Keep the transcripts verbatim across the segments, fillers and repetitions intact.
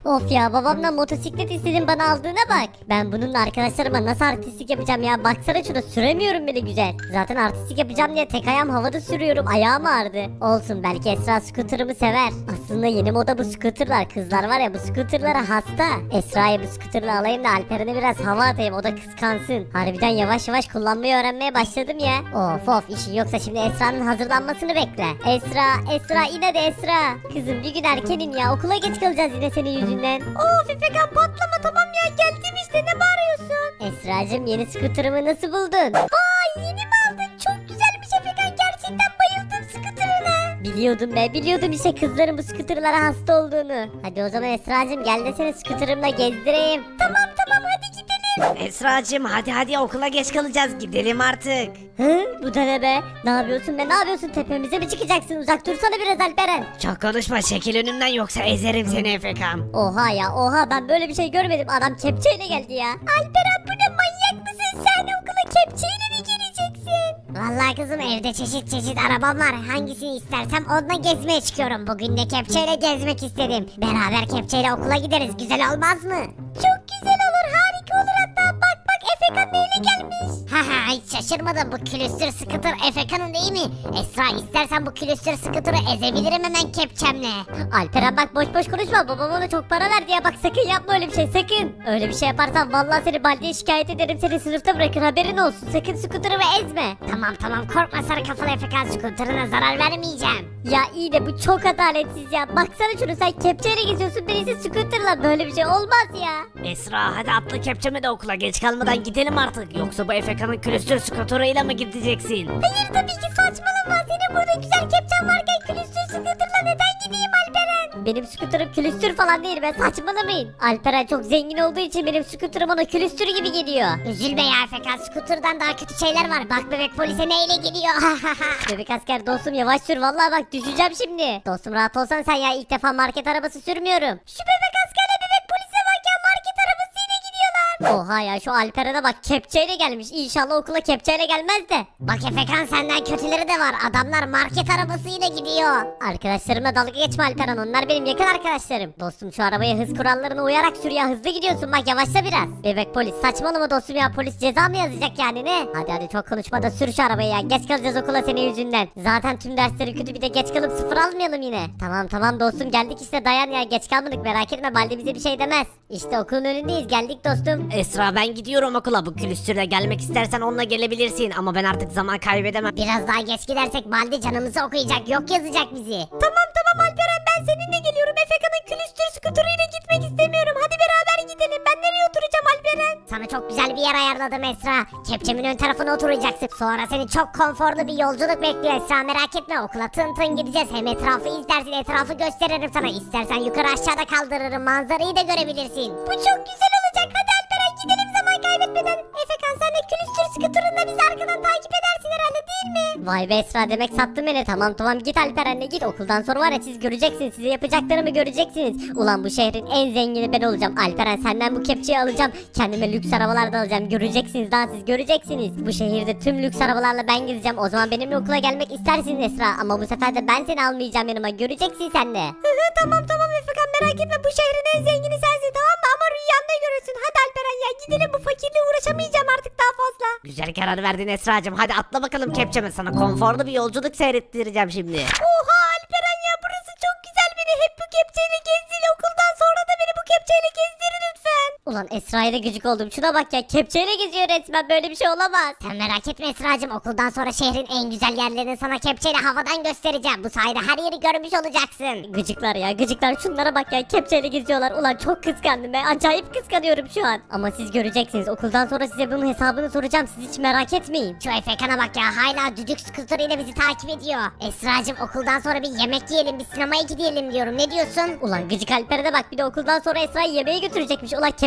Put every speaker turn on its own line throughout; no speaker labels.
Of ya, babamdan motosiklet istedim, bana aldığına bak. Ben bununla arkadaşlarıma nasıl artistlik yapacağım ya, baksana şuna, süremiyorum bile güzel. Zaten artistlik yapacağım diye tek ayağım havada sürüyorum, ayağım ağrıdı. Olsun, belki Esra scooter'ımı sever. Aslında yeni moda bu scooter'lar, kızlar var ya bu scooter'lara hasta. Esra'yı bu scooter'la alayım da Alperen'e biraz hava atayım, o da kıskansın. Harbiden yavaş yavaş kullanmayı öğrenmeye başladım ya. Of of, işin yoksa şimdi Esra'nın hazırlanmasını bekle. Esra, Esra in hadi Esra. Kızım bir gün erkenin ya, okula geç kalacağız yine senin yüzünden. Of Efekan, patlama, tamam ya, geldim işte, ne bağırıyorsun? Esra'cığım, yeni scooter'ımı nasıl buldun? Vay, yeni mi aldın? Çok güzelmiş Efekan, gerçekten bayıldım scooter'ına. Biliyordum be, biliyordum işte kızların bu scooter'lara hasta olduğunu. Hadi o zaman Esra'cığım, gel de seni scooter'ımla gezdireyim. Tamam tamam, hadi gidelim.
Esracığım hadi hadi okula geç kalacağız, gidelim artık.
Hı, bu da ne be? Ne yapıyorsun be, ne yapıyorsun, tepemize mi çıkacaksın? Uzak dursana biraz Alperen.
Çok konuşma, çekil önümden yoksa ezerim seni Efekan.
Oha ya, oha, ben böyle bir şey görmedim, adam kepçeyle geldi ya. Alperen, bu ne, manyak mısın sen, okula kepçeyle mi gireceksin? Vallahi kızım, evde çeşit çeşit arabam var, hangisini istersem onunla gezmeye çıkıyorum. Bugün de kepçeyle gezmek istedim. Beraber kepçeyle okula gideriz, güzel olmaz mı? Çok güzel olur, harika olur hatta. Bak bak, Efekan neyle gelmiş? Haha, hiç şaşırmadım, bu külüstür scooter Efekan'ın değil mi? Esra, istersen bu külüstür scooter'ı ezebilirim hemen kepçemle. Alperen bak, boş boş konuşma, babam ona çok para verdi ya, bak sakın yapma öyle bir şey, sakın. Öyle bir şey yaparsan vallahi seni Baldi'ye şikayet ederim, seni sınıfta bırakır, haberin olsun. Sakın scooter'ımı ezme. Tamam tamam, korkma sarı kafalı Efekan, scooter'ına zarar vermeyeceğim. Ya iyi de bu çok adaletsiz ya, baksana şunu, sen kepçeyle geziyorsun, birisi scooter'la, böyle bir şey olmaz ya.
Esra hadi atla kepçeme de okula geç kalmadan gidelim artık. Yoksa bu Efekan'ın külüstür skuterıyla mı gideceksin?
Hayır tabii ki, saçmalama, senin burada güzel kepçen varken külüstür scooter'la neden gideyim Alperen? Benim scooter'ım külüstür falan değil be, saçmalamayın. Alperen çok zengin olduğu için benim scooter'ım ona külüstür gibi geliyor. Üzülme ya Efekan, scooter'dan daha kötü şeyler var, bak bebek polise neyle gidiyor. Bebek asker dostum, yavaş sür, vallahi bak düşeceğim şimdi. Dostum rahat olsan sen ya, ilk defa market arabası sürmüyorum. Şu bebek askerle bebek polise bak ya, market arabasıyla gidiyorlar. Oha ya, şu Alperen'e bak, kepçeyle gelmiş, İnşallah okula kepçeyle gelmez de. Bak Efekan, senden kötüleri de var, adamlar market arabasıyla gidiyor. Arkadaşlarımla dalga geçme Alperen, onlar benim yakın arkadaşlarım. Dostum şu arabaya hız kurallarına uyarak sür ya, hızlı gidiyorsun bak, yavaşla biraz. Bebek polis, saçmalama dostum ya, polis ceza mı yazacak yani, ne? Hadi hadi, çok konuşma da sür şu arabayı ya, geç kalacağız okula senin yüzünden. Zaten tüm dersleri kötü, bir de geç kalıp sıfır almayalım yine. Tamam tamam dostum, geldik işte, dayan ya, geç kalmadık, merak etme, Baldi bize bir şey demez. İşte okulun önündeyiz, geldik dostum.
Esra ben gidiyorum okula, bu külüstürle gelmek istersen onunla gelebilirsin ama ben artık zaman kaybedemem.
Biraz daha geç gidersek Baldi canımızı okuyacak, yok yazacak bizi. Tamam tamam Alperen, ben seninle geliyorum. Efekan'ın külüstür skuterıyla gitmek istemiyorum. Hadi beraber gidelim. Ben nereye oturacağım Alperen? Sana çok güzel bir yer ayarladım Esra. Kepçemin ön tarafına oturacaksın. Sonra seni çok konforlu bir yolculuk bekliyor Esra, merak etme. Okula tın tın gideceğiz. Hem etrafı izlersin, etrafı gösteririm sana. İstersen yukarı aşağıda kaldırırım, manzarayı da görebilirsin. Bu çok güzel olacak. Hadi Alperen gidelim zaman kaybetmeden. Efekan, sen de külüstür skuterınla bizi arkadan takip edersin herhalde, değil mi? Vay be Esra, demek sattın beni. Tamam tamam, git Alperen'le git. Okuldan sonra var ya, siz göreceksiniz, size yapacaklarımı göreceksiniz. Ulan bu şehrin en zengini ben olacağım. Alperen, senden bu kepçeyi alacağım. Kendime lüks arabalar da alacağım. Göreceksiniz, daha siz göreceksiniz. Bu şehirde tüm lüks arabalarla ben gezeceğim. O zaman benimle okula gelmek istersiniz Esra. Ama bu sefer de ben seni almayacağım yanıma. Göreceksin sen de. Tamam tamam Efekan, merak etme, bu şehrin en zengini sensin, tamam mı? Ama rüyanda görürsün. Hadi Alperen ya, gidelim, bu fakirle uğraşamayacağım artık daha fazla.
Güzel karar verdin Esracığım, hadi atla bakalım kepçeme, sana konforlu bir yolculuk seyrettireceğim şimdi.
Oha Alperen ya, burası çok güzel, beni hep bu kepçeyle gezdir, okuldan sonra da beni bu kepçeyle gezdir lütfen. Ulan Esra'ya da gıcık oldum, şuna bak ya, kepçeyle geziyor resmen, böyle bir şey olamaz. Sen merak etme Esra'cığım, okuldan sonra şehrin en güzel yerlerini sana kepçeyle havadan göstereceğim. Bu sayede her yeri görmüş olacaksın. Gıcıklar ya, gıcıklar, şunlara bak ya, kepçeyle geziyorlar. Ulan çok kıskandım be, acayip kıskanıyorum şu an. Ama siz göreceksiniz, okuldan sonra size bunun hesabını soracağım, siz hiç merak etmeyin. Şu Efekan'a bak ya, hala düdük skuterıyla bizi takip ediyor. Esra'cığım, okuldan sonra bir yemek yiyelim, bir sinemaya gidelim diyorum, ne diyorsun? Ulan gıcık Alper'e de bak, bir de okuldan sonra Esra'yı yemeğe götürecekmiş. Ulan kepçe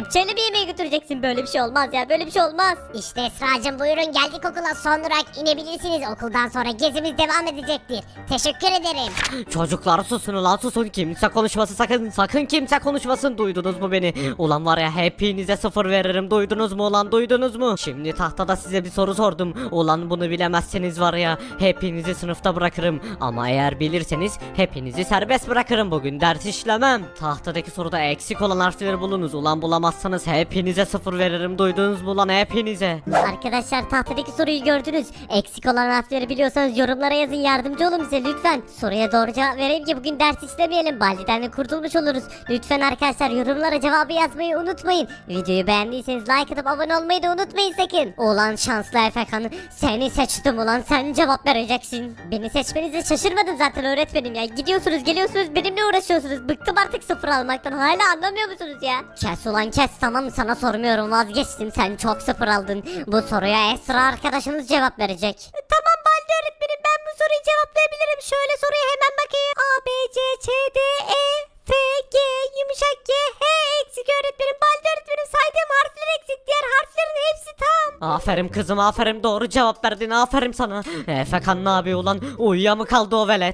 Gökçe'yle bir yemeğe götüreceksin. Böyle bir şey olmaz ya, böyle bir şey olmaz.
İşte Esra'cığım buyurun geldik okula, son durak inebilirsiniz. Okuldan sonra gezimiz devam edecektir. Teşekkür ederim.
Çocuklar susun ulan susun, kimse konuşmasın, sakın sakın kimse konuşmasın, duydunuz mu beni? Ulan var ya hepinize sıfır veririm, duydunuz mu ulan, duydunuz mu? Şimdi tahtada size bir soru sordum, ulan bunu bilemezseniz var ya hepinizi sınıfta bırakırım, ama eğer bilirseniz hepinizi serbest bırakırım, bugün ders işlemem. Tahtadaki soruda eksik olan harfleri bulunuz, ulan bulamazsanız hepinize sıfır veririm, duydunuz mu ulan, hepinize?
Arkadaşlar tahtadaki soruyu gördünüz. Eksik olan harfleri biliyorsanız yorumlara yazın, yardımcı olun bize lütfen. Soruya doğru cevap vereyim ki bugün ders işlemeyelim. Baldi'den de kurtulmuş oluruz. Lütfen arkadaşlar yorumlara cevabı yazmayı unutmayın. Videoyu beğendiyseniz like atıp abone olmayı da unutmayın sakın. Ulan şanslı Efekan, seni seçtim ulan, sen cevap vereceksin. Beni seçmenize şaşırmadım zaten öğretmenim ya. Gidiyorsunuz geliyorsunuz benimle uğraşıyorsunuz. Bıktım artık sıfır almaktan, hala anlamıyor musunuz ya? Kes ulan kes, tamam sana sormuyorum, vazgeçtim, sen çok sıfır aldın. Bu soruya Esra arkadaşınız cevap verecek.
Tamam Baldi öğretmenim, ben bu soruyu cevaplayabilirim. Şöyle soruya hemen bakayım. A, B, C, Ç, D, E, F, G, yumuşak G, H eksik öğretmenim. Baldi öğretmenim saydığım harfler eksik. Diğer harflerin hepsi tam.
Aferin kızım aferin, doğru cevap verdin, aferin sana. Efekan ne yapıyor ulan, uyuya mı kaldı o velet?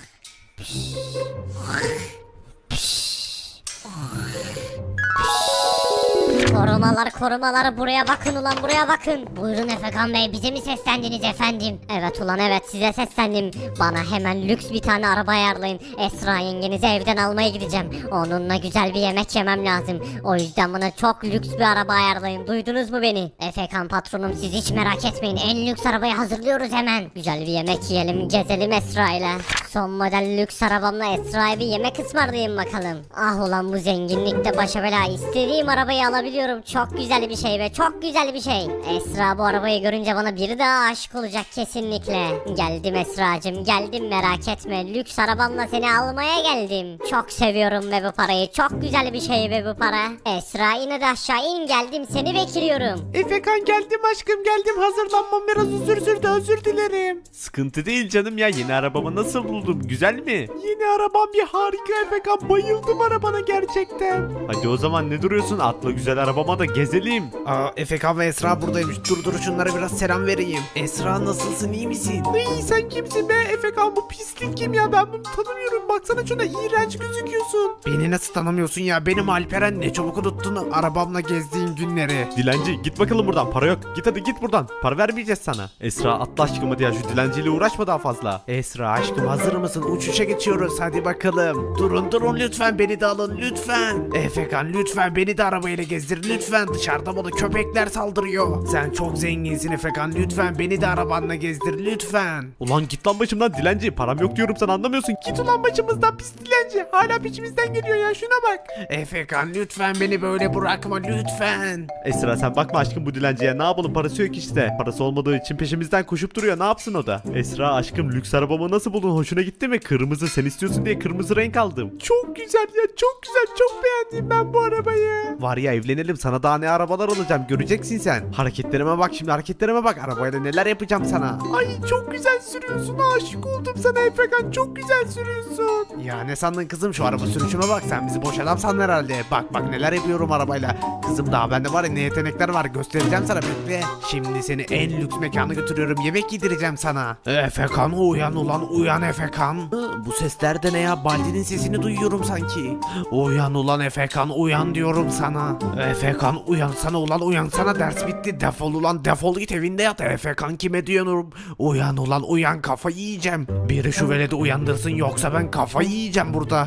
Korumalar korumalar buraya bakın ulan, buraya bakın. Buyurun Efekan Bey, bize mi seslendiniz efendim? Evet ulan evet, size seslendim. Bana hemen lüks bir tane araba ayarlayın. Esra yengenizi evden almaya gideceğim. Onunla güzel bir yemek yemem lazım. O yüzden bana çok lüks bir araba ayarlayın. Duydunuz mu beni? Efekan patronum, siz hiç merak etmeyin. En lüks arabayı hazırlıyoruz hemen. Güzel bir yemek yiyelim, gezelim Esra ile. Son model lüks arabamla Esra'ya bir yemek ısmarlayayım bakalım. Ah ulan bu zenginlikte başa bela, istediğim arabayı alabiliyorum. Çok güzel bir şey be, çok güzel bir şey. Esra bu arabayı görünce bana biri daha aşık olacak kesinlikle. Geldim Esra'cığım geldim, merak etme. Lüks arabamla seni almaya geldim. Çok seviyorum be bu parayı, çok güzel bir şey be bu para. Esra yine de aşağı in, geldim seni bekliyorum.
Efekan geldim aşkım geldim, hazırlanmam biraz uzun sürdü, özür dilerim. Sıkıntı değil canım ya, yeni arabamı nasıl buldum, güzel mi? Yeni arabam bir harika Efekan, bayıldım arabana gerçekten. Hadi o zaman ne duruyorsun, atla güzel arabama da gezelim. Aa, Efekan ve Esra buradaymış, dur dur şunlara biraz selam vereyim. Esra nasılsın, iyi misin? İyi, sen kimsin be Efekan, bu pislik kim ya, ben bunu tanımıyorum, baksana şuna, iğrenç gözüküyorsun. Beni nasıl tanımıyorsun ya, benim Alperen, ne çabuk unuttun arabamla gezdiğin günleri. Dilenci git bakalım buradan, para yok, git hadi git buradan, para vermeyeceğiz sana. Esra atla aşkım hadi ya, şu dilenciyle uğraşma daha fazla. Esra aşkım hazır mısın, uçuşa geçiyoruz hadi bakalım. Durun durun lütfen, beni de alın lütfen. Efekan lütfen beni de arabayla gezdir lütfen, dışarıda bana köpekler saldırıyor. Sen çok zenginsin Efekan, lütfen beni de arabanla gezdir lütfen. Ulan git lan başımdan dilenci, param yok diyorum, sen anlamıyorsun. Git ulan başımızdan pis dilenci, hala peşimizden geliyor ya, şuna bak. Efekan lütfen beni böyle bırakma lütfen. Esra sen bakma aşkım bu dilenciye, ne yapalım, parası yok işte. Parası olmadığı için peşimizden koşup duruyor, ne yapsın o da. Esra aşkım lüks arabamı nasıl buldun, hoşuna gitti mi? Kırmızı, sen istiyorsun diye kırmızı renk aldım. Çok güzel ya, çok güzel, çok beğendim ben bu arabayı. Var ya evlenelim, sana daha ne arabalar alacağım, göreceksin sen. Hareketlerime bak şimdi, hareketlerime bak, arabayla neler yapacağım sana. Ay çok güzel sürüyorsun, aşık oldum sana Efekan, çok güzel sürüyorsun. Ya ne sandın kızım, şu araba sürüşüme bak, sen bizi boş adam sandın herhalde. Bak bak neler yapıyorum arabayla. Kızım daha bende var ya ne yetenekler var, göstereceğim sana, bekle. Şimdi seni en lüks mekana götürüyorum, yemek yedireceğim sana. Efekan uyan ulan uyan Efekan. Bu sesler de ne ya, Baldi'nin sesini duyuyorum sanki. Uyan ulan Efekan uyan diyorum sana. Efekan uyansana ulan, uyansana, ders bitti, defol ulan defol, git evinde yat. Efekan kime diyorum, uyan ulan uyan, kafayı yiyeceğim. Biri şu veledi uyandırsın yoksa ben kafayı yiyeceğim burada.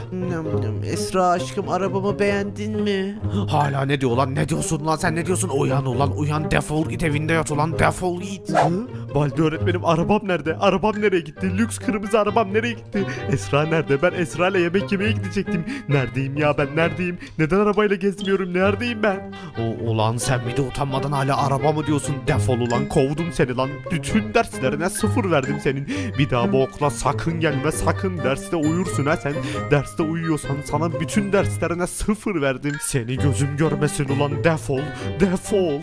Esra aşkım arabamı beğendin mi? Hala ne diyor lan, ne diyorsun lan sen, ne diyorsun? Uyan ulan uyan, defol git evinde yat ulan, defol git. Hı? Baldi öğretmenim arabam nerede? Arabam nereye gitti? Lüks kırmızı arabam nereye gitti? Esra nerede? Ben Esra ile yemek yemeye gidecektim. Neredeyim ya ben, neredeyim? Neden arabayla gezmiyorum? Neredeyim ben? O, ulan sen bir de utanmadan hala araba mı diyorsun? Defol ulan, kovdum seni lan. Bütün derslerine sıfır verdim senin. Bir daha bu okula sakın gelme, sakın derste uyursun ha sen. Derste uyuyorsan sana bütün derslerine sıfır verdim. Seni gözüm görmesin ulan, defol, defol.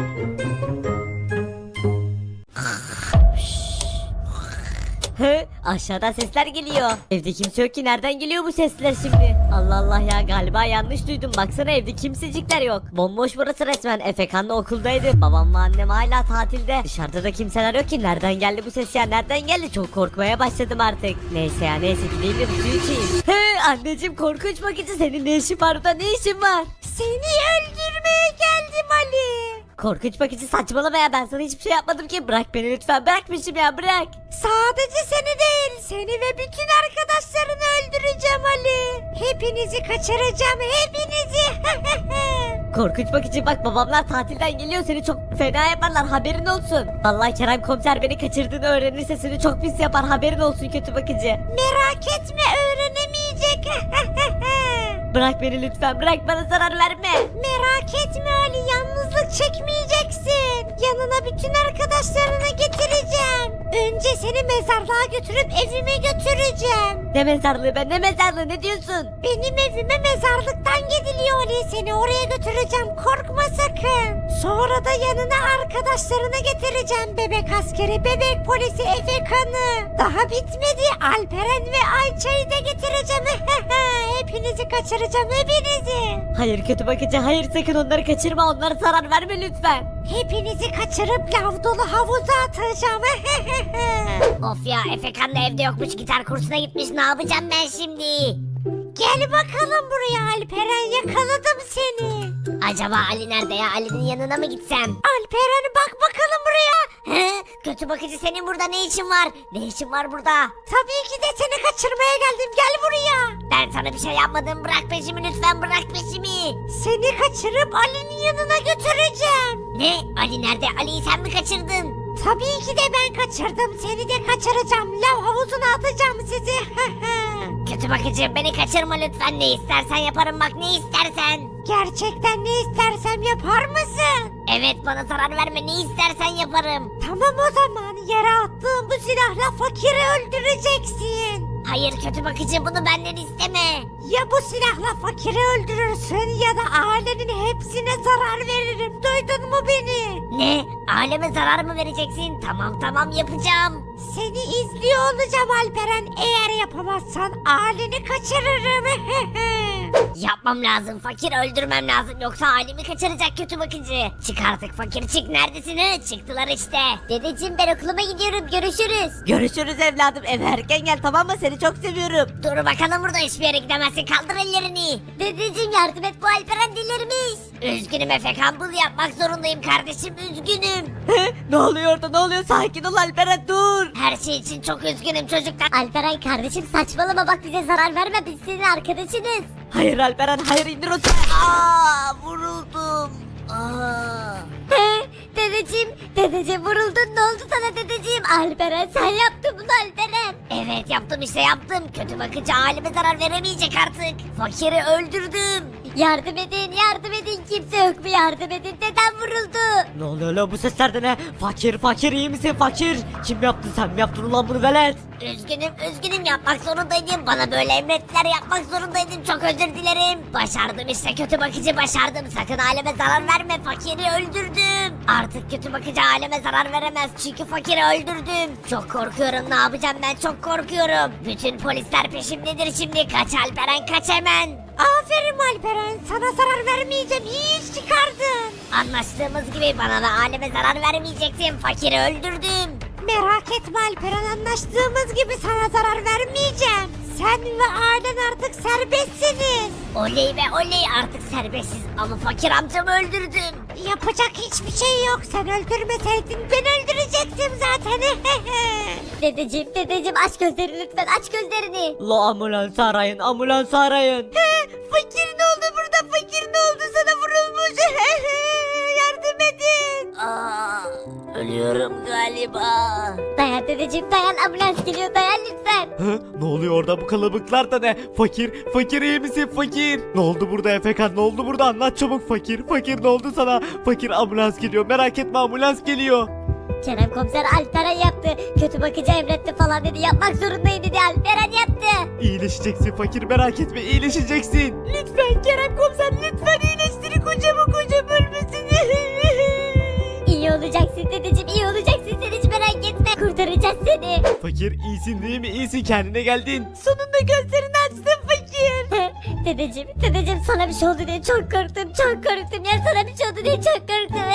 He, aşağıdan sesler geliyor. Evde kimse yok ki, nereden geliyor bu sesler şimdi? Allah Allah ya, galiba yanlış duydum. Baksana evde kimsecikler yok. Bomboş burası resmen. Efekan da okuldaydı. Babamla annem hala tatilde. Dışarıda da kimseler yok ki. Nereden geldi bu ses ya? Nereden geldi? Çok korkmaya başladım artık. Neyse ya, neyse gideyim de bir su içeyim. He anneciğim, korkunç bakıcı, senin ne işin var burada? Ne işin var?
Seni öldürmeye geldim Ali.
Korkunç bakıcı, saçmalama ya, ben sana hiçbir şey yapmadım ki. Bırak beni lütfen, bırakmışım ya, bırak.
Sadece seni değil, seni ve bütün arkadaşlarını öldüreceğim Ali. Hepinizi kaçıracağım, hepinizi.
Korkunç bakıcı, bak babamlar tatilden geliyor, seni çok fena yaparlar, haberin olsun. Vallahi Kerem komiser beni kaçırdığını öğrenirse seni çok pis yapar, haberin olsun kötü bakıcı.
Merak etme, öğrenemeyecek.
Bırak beni lütfen, bırak, bana zarar verme.
Merak etme Ali, yalnızlık çekmeyeceksin. Yanına bütün arkadaşlarını getireceğim. Önce seni mezarlığa götürüp evime götüreceğim.
Ne mezarlığı be, ne mezarlığı, ne diyorsun?
Benim evime mezarlıktan gidiliyor Ali. Seni oraya götüreceğim, korkma sakın. Sonra da yanına arkadaşlarını getireceğim. Bebek askeri, bebek polisi, Efekan'ı. Daha bitmedi, Alperen ve Ayça'yı da getireceğim. Hepinizi kaçıracağım, hepinizi.
Hayır kötü bakıcı, hayır, sakın onları kaçırma, onlara zarar verme lütfen.
Hepinizi kaçırıp lav dolu havuza atacağım.
Of ya, Efekan da evde yokmuş, gitar kursuna gitmiş, ne yapacağım ben şimdi?
Gel bakalım buraya Alperen, yakaladım seni.
Acaba Ali nerede ya? Ali'nin yanına mı gitsem?
Alperen bak bakalım buraya.
He? Kötü bakıcı, senin burada ne işin var? Ne işin var burada?
Tabii ki de seni kaçırmaya geldim, gel buraya.
Ben sana bir şey yapmadım, bırak peşimi lütfen, bırak peşimi.
Seni kaçırıp Ali'nin yanına götüreceğim.
Ne? Ali nerede? Ali'yi sen mi kaçırdın?
Tabii ki de ben kaçırdım, seni de kaçıracağım. Lav havuzuna atacağım sizi.
Kötü bakıcı, beni kaçırma lütfen, ne istersen yaparım, bak ne istersen.
Gerçekten ne istersem yapar mısın?
Evet, bana zarar verme, ne istersen yaparım.
Tamam o zaman, yere attığım bu silahla fakiri öldüreceksin.
Hayır kötü bakıcı, bunu benden isteme.
Ya bu silahla fakiri öldürürsün ya da ailenin hepsine zarar veririm. Duydun mu beni?
Ne? Aleme zarar mı vereceksin? Tamam tamam, yapacağım.
Seni izliyor olacağım Alperen. Eğer yapamazsan aileni kaçırırım.
Yapmam lazım, fakir öldürmem lazım, yoksa ailemi kaçıracak kötü bakıcı. Çık artık fakir, çık, neredesin he? Çıktılar işte.
Dedeciğim ben okuluma gidiyorum, görüşürüz.
Görüşürüz evladım, eve erken gel tamam mı, seni çok seviyorum.
Dur bakalım, burada hiçbir yere gidemezsin, kaldır ellerini.
Dedeciğim yardım et, bu Alperen delirmiş.
Üzgünüm Efekan, bunu yapmak zorundayım kardeşim, üzgünüm.
Ne oluyor orada, ne oluyor, sakin ol Alperen, dur.
Her şey için çok üzgünüm çocuklar.
Alperen kardeşim saçmalama, bak bize zarar verme, biz senin arkadaşınız.
Hayır Alperen, hayır, indir o silahı. Aa, vuruldum. Aa.
He, dedeciğim, dedeciğim vuruldun, ne oldu sana dedeciğim? Alperen sen yaptın bunu Alperen.
Evet yaptım işte, yaptım. Kötü bakıcı aileme zarar veremeyecek artık. Fakiri öldürdüm.
Yardım edin, yardım edin, kimse yok mu, yardım edin, dedem vuruldu.
Ne oluyor lan, bu sesler de ne? Fakir, fakir, iyi misin fakir? Kim yaptı, sen mi yaptın ulan bunu velet?
Üzgünüm, üzgünüm, yapmak zorundaydım. Bana böyle emrettiler, yapmak zorundaydım. Çok özür dilerim. Başardım işte kötü bakıcı, başardım. Sakın aileme zarar verme, fakiri öldürdüm. Artık kötü bakıcı aileme zarar veremez, çünkü fakiri öldürdüm. Çok korkuyorum, ne yapacağım ben, çok korkuyorum. Bütün polisler peşimdedir şimdi. Kaç Alperen, kaç hemen.
Aferin Alperen, sana zarar vermeyeceğim, iyi iş çıkardın.
Anlaştığımız gibi bana ve aileme zarar vermeyeceksin. Fakiri öldürdüm.
Merak etme Alperen, anlaştığımız gibi sana zarar vermeyeceğim. Sen ve ailen artık serbestsiniz.
Oley be oley, artık serbestsiz, ama fakir amcamı öldürdüm.
Yapacak hiçbir şey yok, sen öldürmeseydin ben öldürecektim zaten. Dedeciğim, dedeciğim aç gözlerini lütfen, aç gözlerini.
La ambulans arayın, ambulans arayın.
Fakir ne oldu burada, fakir ne oldu, sana vurulmuş. Yardım edin.
Aa, ölüyorum galiba.
Dayan dedeciğim, dayan, ambulans geliyor, dayan lütfen.
Hı? Ne oluyor orada, bu kalabalıklar da ne? Fakir, fakir iyi misin fakir? Ne oldu burada Efekan, ne oldu burada, anlat çabuk fakir. Fakir ne oldu sana? Fakir, ambulans geliyor, merak etme, ambulans geliyor.
Kerem komiser Alperen yaptı. Kötü bakıcı emretti falan dedi. Yapmak zorundayım dedi. Alperen yaptı.
İyileşeceksin fakir, merak etme, iyileşeceksin.
Lütfen Kerem komiser, lütfen iyileştirin kocamı, kocam ölmesin. İyi olacaksın dedeciğim, iyi olacaksın, sen hiç merak etme.
kurtaracağız seni.
Fakir iyisin değil mi? İyisin, kendine geldin.
Sonunda gözlerini açtın fakir. dedeciğim, dedeciğim sana bir şey oldu diye çok korktum, çok korktum ya sana bir şey oldu diye çok korktum.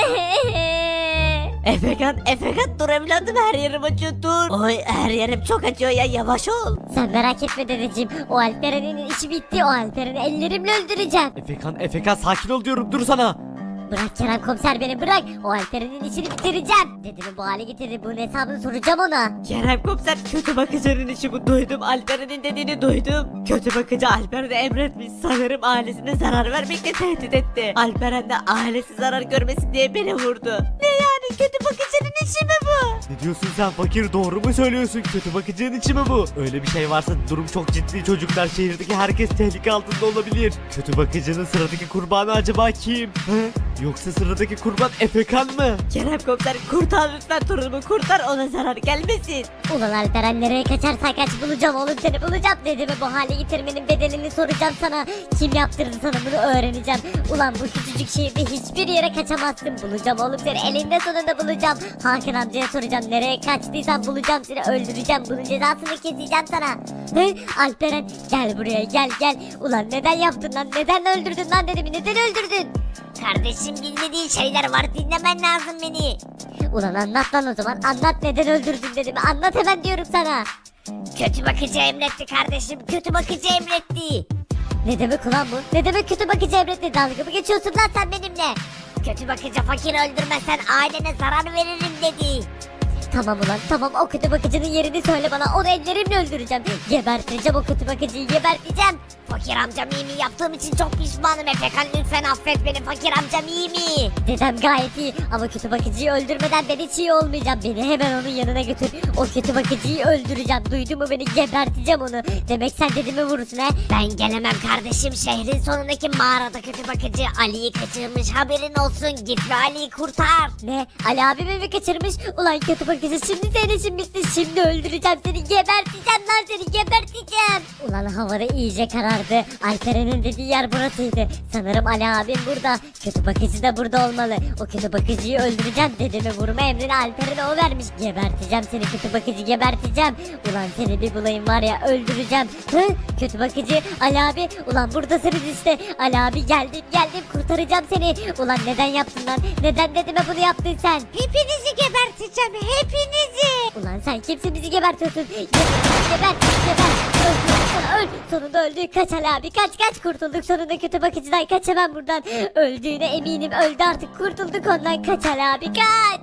Efekan, Efekan dur evladım, her yerim acıyor, dur. Oy, her yerim çok acıyor ya, yavaş ol.
Sen merak etme dedeciğim, o Alperen'in işi bitti, o Alperen'i ellerimle öldüreceğim.
Efekan, Efekan sakin ol diyorum, dur sana.
Bırak Kerem komiser beni bırak, o Alperen'in işini bitireceğim. Dedemi bu hale getirdi, bunun hesabını soracağım ona.
Kerem komiser, kötü bakıcının işi bu, duydum. Alperen'in dediğini duydum. Kötü bakıcı Alperen'e emretmiş, sanırım ailesine zarar vermekle tehdit etti. Alperen de ailesi zarar görmesin diye beni vurdu. Ne yani, kötü bakıcının işi mi bu?
Ne diyorsun sen fakir, doğru mu söylüyorsun? Kötü bakıcının içi mi bu? Öyle bir şey varsa durum çok ciddi çocuklar, şehirdeki herkes tehlike altında olabilir. Kötü bakıcının sıradaki kurbanı acaba kim? Hı? Yoksa sıradaki kurban Efekan mı?
Kerem komiser, kurtar lütfen torunumu, kurtar, ona zarar gelmesin.
Ulan Alperen nereye kaçarsan kaç, bulacağım oğlum seni bulacağım. Dedemi bu hale getirmenin bedelini soracağım sana. Kim yaptırdı sana bunu öğreneceğim. Ulan bu küçücük şehirde hiçbir yere kaçamazsın. Bulacağım oğlum seni, elinde sonunda bulacağım. Hakan amcaya soracağım, nereye kaçtıysan bulacağım seni, öldüreceğim. Bunun cezasını keseceğim sana. He? Alperen gel buraya, gel gel. Ulan neden yaptın lan, neden öldürdün lan dedemi, neden öldürdün?
Kardeşim bilmediğin şeyler var, dinlemen lazım beni.
Ulan anlat lan o zaman, anlat neden öldürdün dedemi, anlat hemen diyorum sana.
Kötü bakıcı emretti kardeşim, kötü bakıcı emretti.
Ne demek ulan bu? Ne demek kötü bakıcı emretti? Dalga mı geçiyorsun lan sen benimle?
Kötü bakıcı fakir öldürmezsen ailene zarar veririm dedi.
Tamam ulan tamam, o kötü bakıcının yerini söyle bana, onu ellerimle öldüreceğim. Geberteceğim o kötü bakıcıyı, geberteceğim.
Fakir amcam iyi mi? Yaptığım için çok pişmanım Efekan, lütfen affet beni, fakir amcam iyi mi?
Dedem gayet iyi ama kötü bakıcıyı öldürmeden ben hiç iyi olmayacağım. Beni hemen onun yanına götür, o kötü bakıcıyı öldüreceğim. Duydun mu beni, geberteceğim onu. Demek sen dedemi vurursun he?
Ben gelemem kardeşim, şehrin sonundaki mağarada kötü bakıcı Ali'yi kaçırmış, haberin olsun, git ve Ali'yi kurtar.
Ne? Ali abimi mi kaçırmış? Ulan kötü bakıcı, şimdi senin işin bitti. Şimdi öldüreceğim seni, geberteceğim lan seni, geberteceğim. Ulan havada iyice karardı. Alperen'in dediği yer burasıydı. Sanırım Ali abim burada. Kötü bakıcı da burada olmalı. O kötü bakıcıyı öldüreceğim. Dedemi vurma emrini Alperen'e o vermiş. Geberteceğim seni kötü bakıcı, geberteceğim. Ulan seni bir bulayım var ya, öldüreceğim. Hı? Kötü bakıcı Ali abi. Ulan buradasınız işte. Ali abi geldim geldim, kurtaracağım seni. Ulan neden yaptın lan? Neden dedeme bunu yaptın sen?
Hepinizi geberteceğim, hepinizi.
Ulan sen kimsin, bizi gebertiyorsun? Geber, geber, geber. Öl, öl, öl. Sonunda öldü. Kaç Ali abi, kaç kaç, kurtulduk sonunda kötü bakıcıdan. Kaç hemen buradan. Öldüğüne eminim, öldü artık, kurtulduk ondan. Kaç Ali abi, kaç.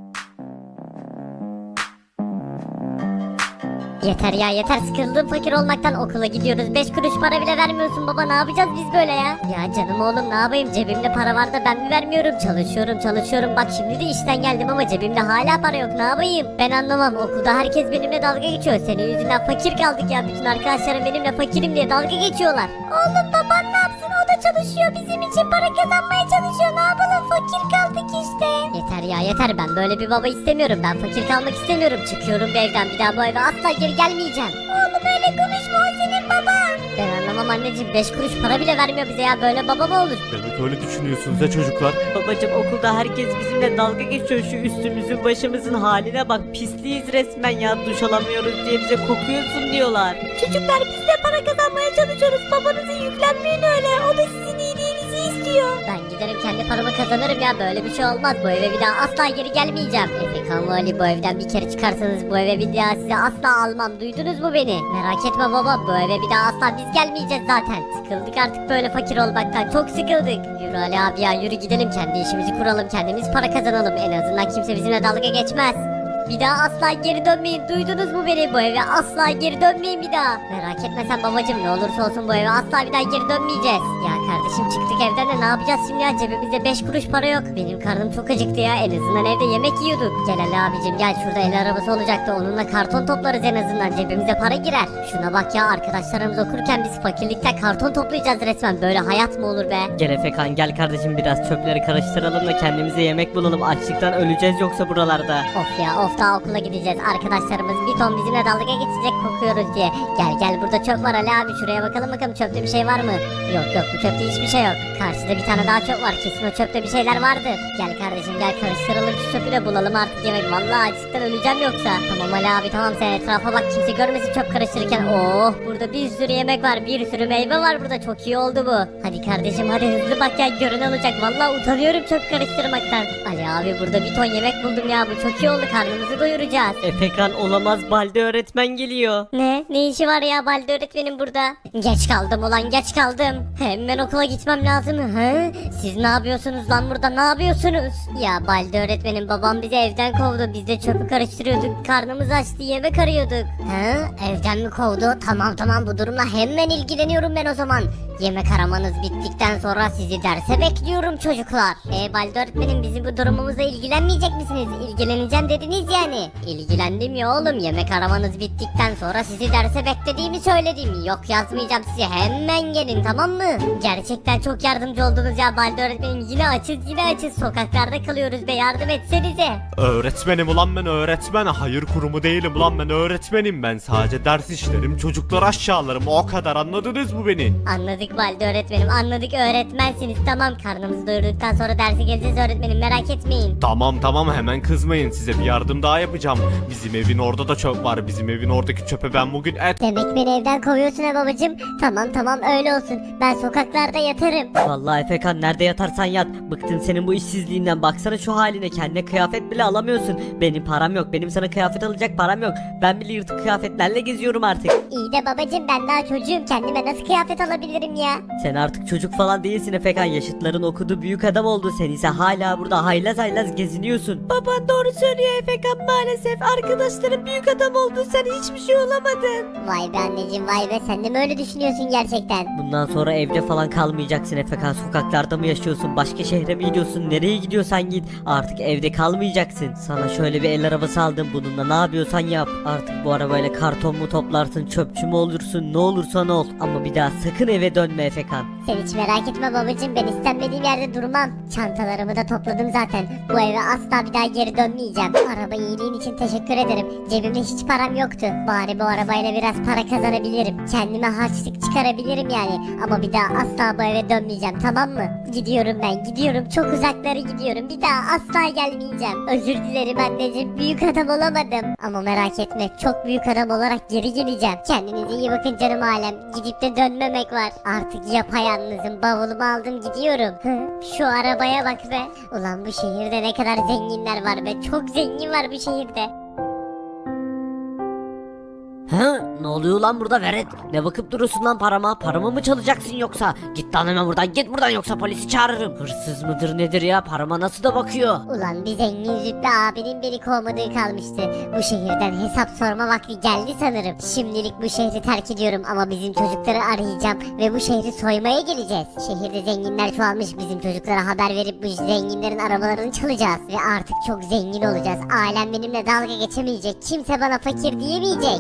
Yeter ya yeter, sıkıldım fakir olmaktan. Okula gidiyoruz, beş kuruş para bile vermiyorsun baba, ne yapacağız biz böyle ya? Ya canım oğlum ne yapayım, cebimde para var da ben mi vermiyorum? Çalışıyorum çalışıyorum, bak şimdi de işten geldim ama cebimde hala para yok, ne yapayım? Ben anlamam, okulda herkes benimle dalga geçiyor. Senin yüzünden fakir kaldık ya, bütün arkadaşlarım benimle fakirim diye dalga geçiyorlar. Oğlum baban ne yapsın, o da çalışıyor, bizim için para kazanmaya çalışıyor, ne yapalım, fakir kaldık işte. Yeter ya yeter, ben böyle bir baba istemiyorum, ben fakir kalmak istemiyorum. Çıkıyorum bu evden, bir daha bu eve asla geri gelmeyeceğim. Oğlum öyle konuşma, o senin baban. Ben anlamam anneciğim, beş kuruş para bile vermiyor bize ya, böyle baba mı olur?
Demek öyle düşünüyorsunuz ya çocuklar.
Babacım, okulda herkes bizimle dalga geçiyor, şu üstümüzün başımızın haline bak, pisliyiz resmen ya, duş alamıyoruz diye bize kokuyorsun diyorlar.
Çocuklar biz de para kazanmaya çalışıyoruz, babanızı yüklenmeyin öyle, o da sizin iyiliğinizi istiyor. Ben giderim kendi paramı kazanırım ya, böyle bir şey olmaz, bu eve bir daha asla geri gelmeyeceğim. Efekan ve Ali, bu evden bir kere çıkarsanız bu eve bir daha size asla almam, duydunuz mu beni? Merak etme baba, bu eve bir daha asla biz gelmeyeceğiz zaten. Sıkıldık artık böyle fakir olmaktan, çok sıkıldık. Yürü Ali abi ya, yürü gidelim, kendi işimizi kuralım, kendimiz para kazanalım, en azından kimse bizimle dalga geçmez. Bir daha asla geri dönmeyin, duydunuz mu beni? Bu eve asla geri dönmeyin bir daha. Merak etme sen babacım, ne olursa olsun bu eve asla bir daha geri dönmeyeceğiz. Ya kardeşim çıktık evden de ne yapacağız şimdi ya, cebimizde beş kuruş para yok. Benim karnım çok acıktı ya, en azından evde yemek yiyorduk. Gel Ali abicim gel, şurada el arabası olacaktı, onunla karton toplarız, en azından cebimize para girer. Şuna bak ya, arkadaşlarımız okurken biz fakirlikten karton toplayacağız resmen, böyle hayat mı olur be?
Gel Efekan, gel kardeşim, biraz çöpleri karıştıralım da kendimize yemek bulalım, açlıktan öleceğiz yoksa buralarda.
Of ya of, daha okula gideceğiz. Arkadaşlarımız bir ton bizimle dalga geçecek kokuyoruz diye. Gel gel burada çöp var Ali abi, şuraya bakalım bakalım çöpte bir şey var mı? Yok yok, bu çöpte hiçbir şey yok. Karşıda bir tane daha çöp var, kesin o çöpte bir şeyler vardır. Gel kardeşim gel, karıştıralım şu çöpü de bulalım artık yemek. Vallahi açlıktan öleceğim yoksa. Tamam Ali abi tamam, sen etrafa bak, kimse görmesin çöp karıştırırken. Oh, burada bir sürü yemek var, bir sürü meyve var burada, çok iyi oldu bu. Hadi kardeşim hadi hızlı bak ya, gören olacak. Vallahi utanıyorum çöp karıştırmaktan. Ali abi burada bir ton yemek buldum ya, bu çok iyi oldu, karnımızı doyuracağız.
Efekan olamaz, Balde öğretmen geliyor.
Ne? Ne işi var ya Balde öğretmenim burada? Geç kaldım ulan, geç kaldım. Hemen okula gitmem lazım. He? Siz ne yapıyorsunuz lan burada, ne yapıyorsunuz? Ya Balde öğretmenim, babam bizi evden kovdu. Biz de çöpü karıştırıyorduk. Karnımız açtı, yemek arıyorduk. He? Evden mi kovdu? Tamam tamam, bu durumla hemen ilgileniyorum ben o zaman. Yemek aramanız bittikten sonra sizi derse bekliyorum çocuklar. E Balde öğretmenim, bizim bu durumumuzla ilgilenmeyecek misiniz? İlgileneceğim dediniz yani. İlgilendim ya oğlum, yemek aramanız bittikten sonra sizi derse beklediğimi söyledim. Yok yazmayacağım size, hemen gelin tamam mı? Gerçekten çok yardımcı oldunuz ya Balde öğretmenim, yine açız yine açız, sokaklarda kalıyoruz be, yardım etsenize.
Öğretmenim ulan ben, öğretmen. Hayır kurumu değilim ulan ben, öğretmenim. Ben sadece ders işlerim, çocukları aşağılarım, o kadar, anladınız mı beni?
Anladık Balde öğretmenim, anladık, öğretmensiniz tamam. Karnımızı doyurduktan sonra derse geleceğiz öğretmenim, merak etmeyin.
Tamam tamam, hemen kızmayın, size bir yardım daha yapacağım. Bizim evin orada da çöp var, bizim evin oradaki çöpe ben bugün et...
Demek beni evden kovuyorsun ha babacım. Tamam tamam, öyle olsun, ben sokaklarda yatarım.
Vallahi Efekan, nerede yatarsan yat. Bıktım senin bu işsizliğinden, baksana şu haline, kendine kıyafet bile alamıyorsun. Benim param yok, benim sana kıyafet alacak param yok. Ben bile yırtık kıyafetlerle geziyorum artık.
İyi de babacım, ben daha çocuğum, kendime nasıl kıyafet alabilirim ya?
Sen artık çocuk falan değilsin Efekan, yaşıtların okudu, büyük adam oldu, sen ise hala burada haylaz haylaz geziniyorsun. Baban doğru söylüyor Efekan, maalesef arkadaşların büyük adam oldu, sen hiçbir şey olamadın.
Vay be anneciğim vay be, sen de mi öyle düşünüyorsun gerçekten?
Bundan sonra evde falan kalmayacaksın Efekan, sokaklarda mı yaşıyorsun, başka şehre mi gidiyorsun, nereye gidiyorsan git, artık evde kalmayacaksın. Sana şöyle bir el arabası aldım, bununla ne yapıyorsan yap. Artık bu arabayla karton mu toplarsın, çöpçü mü olursun, ne olursan ol, ama bir daha sakın eve dönme Efekan.
Sen hiç merak etme babacım, ben istenmediğim yerde durmam. Çantalarımı da topladım zaten. Bu eve asla bir daha geri dönmeyeceğim. Araba iyiliğin için teşekkür ederim. Cebimde hiç param yoktu. Bari bu arabayla biraz para kazanabilirim. Kendime harçlık çıkarabilirim yani. Ama bir daha asla bu eve dönmeyeceğim, tamam mı? Gidiyorum ben, gidiyorum. Çok uzaklara gidiyorum. Bir daha asla gelmeyeceğim. Özür dilerim anneciğim. Büyük adam olamadım. Ama merak etme, çok büyük adam olarak geri geleceğim. Kendinize iyi bakın canım alem. Gidip de dönmemek var. Artık yapayalnızım. Bavulumu aldım gidiyorum. Hı, şu arabaya bak be. Ulan bu şehirde ne kadar zenginler var be. Çok zengin var bu şehirde.
He? Ne oluyor lan burada Velet? Ne bakıp duruyorsun lan parama? Paramı mı çalacaksın yoksa? Git lan hemen buradan, git buradan, yoksa polisi çağırırım. Hırsız mıdır nedir ya? Parama nasıl da bakıyor?
Ulan bir zengin züppe abinin beni kovmadığı kalmıştı. Bu şehirden hesap sorma vakti geldi sanırım. Şimdilik bu şehri terk ediyorum ama bizim çocukları arayacağım ve bu şehri soymaya geleceğiz. Şehirde zenginler çoğalmış, bizim çocuklara haber verip bu zenginlerin arabalarını çalacağız. Ve artık çok zengin olacağız. Ailem benimle dalga geçemeyecek. Kimse bana fakir diyemeyecek.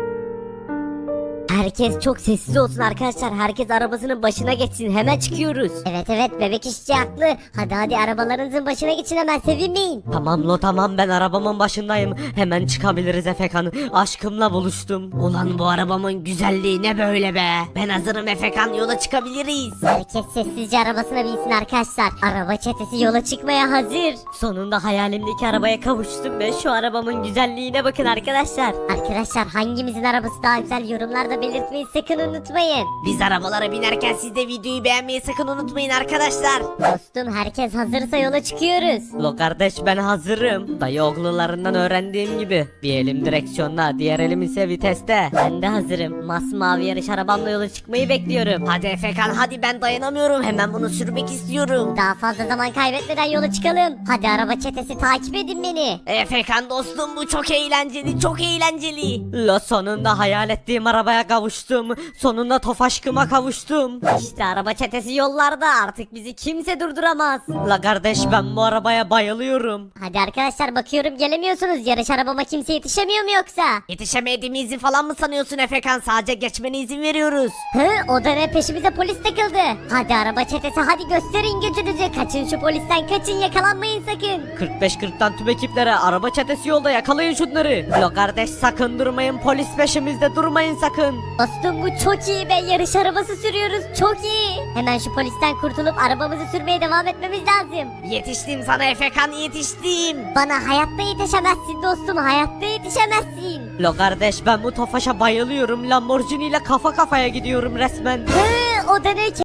Herkes çok sessiz olsun arkadaşlar. Herkes arabasının başına geçsin. Hemen çıkıyoruz.
Evet evet, bebek işçi haklı. Hadi hadi arabalarınızın başına geçin, hemen sevinmeyin.
Tamam lo tamam, ben arabamın başındayım. Hemen çıkabiliriz Efekan. Aşkımla buluştum. Ulan bu arabamın güzelliği ne böyle be? Ben hazırım Efekan, yola çıkabiliriz.
Herkes sessizce arabasına binsin arkadaşlar. Araba çetesi yola çıkmaya hazır.
Sonunda hayalimdeki arabaya kavuştum ve şu arabamın güzelliğine bakın arkadaşlar.
Arkadaşlar hangimizin arabası daha güzel, yorumlarda belirtmeyi sakın unutmayın.
Biz arabalara binerken siz de videoyu beğenmeyi sakın unutmayın arkadaşlar.
Dostum herkes hazırsa yola çıkıyoruz.
Lo kardeş, ben hazırım. Dayı oğlularından öğrendiğim gibi. Bir elim direksiyonda, diğer elim ise viteste. Ben de hazırım. Masmavi yarış arabamla yola çıkmayı bekliyorum. Hadi Efekan hadi, ben dayanamıyorum. Hemen bunu sürmek istiyorum.
Daha fazla zaman kaybetmeden yola çıkalım. Hadi araba çetesi takip edin beni.
Efekan dostum, bu çok eğlenceli, çok eğlenceli. Lo sonunda hayal ettiğim arabaya kavuştum. Sonunda Tofaşkıma kavuştum.
İşte araba çetesi yollarda, artık bizi kimse durduramaz.
La kardeş ben bu arabaya bayılıyorum.
Hadi arkadaşlar, bakıyorum gelemiyorsunuz. Yarış arabama kimse yetişemiyor mu yoksa?
Yetişemediğimizi falan mı sanıyorsun Efekan? Sadece geçmene izin veriyoruz.
Hı, o da ne, peşimize polis takıldı. Hadi araba çetesi, hadi gösterin gücünüzü. Kaçın şu polisten, kaçın, yakalanmayın sakın.
kırk beş kırktan tüm ekiplere, araba çetesi yolda, yakalayın şunları. La kardeş sakın durmayın, polis peşimizde, durmayın sakın.
Dostum bu çok iyi be, yarış arabası sürüyoruz, çok iyi. Hemen şu polisten kurtulup arabamızı sürmeye devam etmemiz lazım.
Yetiştim sana Efekan, yetiştim.
Bana hayatta yetişemezsin dostum, hayatta yetişemezsin.
La kardeş ben bu Tofaş'a bayılıyorum. Lamborghini ile kafa kafaya gidiyorum resmen.
Hı, o da ne?